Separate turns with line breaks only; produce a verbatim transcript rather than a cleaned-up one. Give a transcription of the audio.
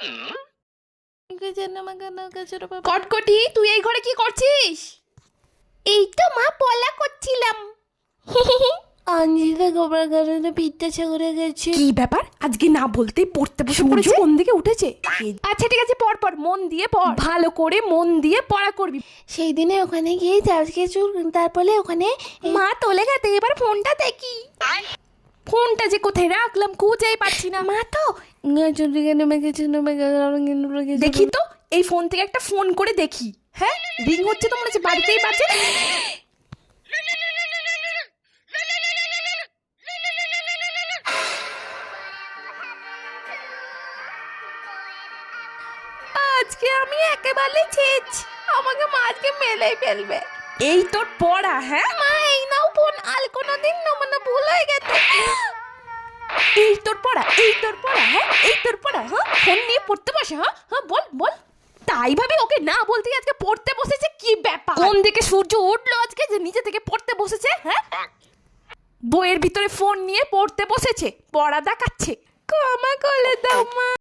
কটকটি, তুই এই ঘরে কি করছিস?
এই তো মা পলা করছিলাম।
আঞ্জিদা গোবর কারণে পিঠটা করে গেছে।
কি ব্যাপার, আজকে না বলতেই পড়তে বসে পড়েছে? কোন দিকে উঠেছে? আচ্ছা ঠিক আছে, পড় পড়, মন দিয়ে পড়, ভালো করে মন দিয়ে পড়া করবি।
সেই দিনে ওখানে গিয়ে চার্জকে চুর, তারপরে ওখানে
মা তোলে গেতে, এবার ফোনটা দেখি। ফোনটা যে কোথায় রাখলাম খুঁজেই পাচ্ছি না।
মা তো
দেখি তো, এই ফোন থেকে একটা ফোন করে দেখি। হ্যাঁ, রিং হচ্ছে তো মনে হচ্ছে বাড়িতেই বাজে। আজকে আমি একেবারে ছেচ, আমাকে মা আজকে মেলেই ফেলবে। এই তোর পড়া? হ্যাঁ
মা এই নাও ফোন, আর কোনোদিন না, মানে ভুল হয়ে গেছে।
এই তোর পড়া, এই তোর পড়া, হ্যাঁ এই তোর পড়া। হ্যাঁ, ফোন নিয়ে পড়তে বসে? হ্যাঁ হ্যাঁ বল বল। তাই ভাবি ওকে না বলতে আজকে পড়তে বসেছে? কি ব্যাপার, কোন দিকে সূর্য উঠলো আজকে যে নিচে থেকে পড়তে বসেছে? হ্যাঁ, বইয়ের ভিতরে ফোন নিয়ে পড়তে বসেছে, পড়া দেখাচ্ছে। ক্ষমা করে দাও মা।